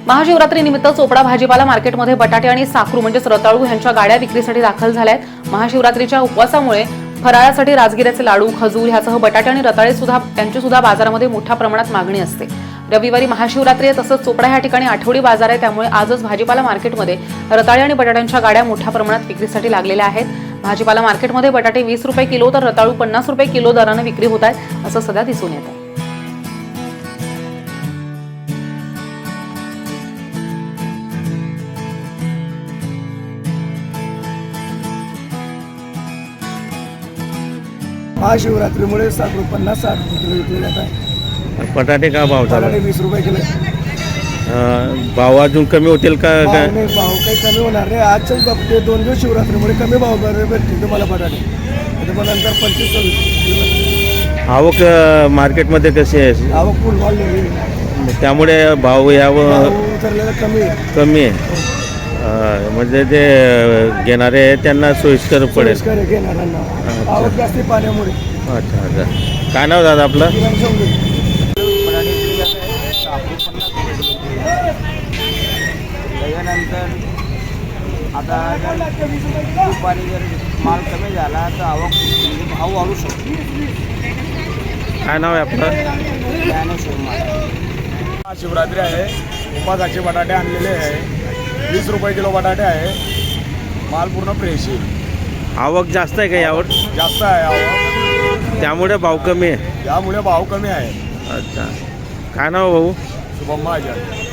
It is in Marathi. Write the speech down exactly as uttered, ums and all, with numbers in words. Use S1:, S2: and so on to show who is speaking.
S1: महाशिवरात्रीनिमित्त चोपडा भाजीपाला मार्केटमध्ये बटाटे आणि साखरू म्हणजेच रताळू यांच्या गाड्या विक्रीसाठी दाखल झाल्या आहेत। महाशिवरात्रीच्या उपवासामुळे फराळासाठी राजगिऱ्याचे लाडू, खजूर ह्यासह बटाटे आणि रताळे सुद्धा त्यांची सुद्धा बाजारामध्ये मोठ्या प्रमाणात मागणी असते। रविवारी महाशिवरात्री आहे, तसंच चोपडा या ठिकाणी आठवडी बाजार आहे, त्यामुळे आजच भाजीपाला मार्केटमध्ये रताळे आणि बटाट्यांच्या गाड्या मोठ्या प्रमाणात विक्रीसाठी लागलेल्या आहेत। भाजीपाला मार्केटमध्ये बटाटे वीस रुपये किलो तर रताळू पन्नास रुपये किलो दराने विक्री होत आहे, असं सध्या दिसून येत आहे।
S2: महाशिवरात्रीमुळे साखरू पन्नास साठ किलो विकले जात आहे।
S3: बटाटे का भाव चालू
S2: बटाटे वीस रुपये किलो।
S3: अं, भाव अजून कमी होतील का
S2: भाव
S3: काय?
S2: नाही, भाव काही कमी होणार नाही। आजच्याच बाबतीत दोन दिवस शिवरात्रीमुळे कमी भाव भेटतील तुम्हाला बटाटे, पण नंतर पंचवीस सव्वीस।
S3: आवक अं, मार्केटमध्ये कशी आहे?
S2: आवक फुल वाढलेली आहे,
S3: त्यामुळे भाव यावं
S2: भाव उतरलेला कमी आहे।
S3: कमी आहे। अं, म्हणजे जे अं, घेणारे आहेत त्यांना सोयीस्कर पडेल।
S2: सोयीस्कर आहे घेणाऱ्यांना, आवक जास्ती पाण्यामुळे।
S3: अच्छा अच्छा, काय नाव दादा आपलं?
S2: किरण शोंगे।
S4: त्याच्यानंतर आता जर दुपारी जर माल कमी झाला तर आवक म्हणजे भाव वाढू शकतो।
S3: काय नाव आहे आपलं?
S4: ज्ञानेश्वर माल
S2: शिवरात्री आहे, उपासाचे बटाटे आणलेले आहे, वीस रुपये किलो बटाटे आहे। माल पूर्ण फ्रेश आहे।
S3: आवक जास्त आहे का यावर?
S2: जास्त आहे आवक,
S3: त्यामुळे भाव कमी आहे।
S2: त्यामुळे भाव कमी आहे।
S3: अच्छा, काय नाव भाऊ?
S2: शुभम महाजन।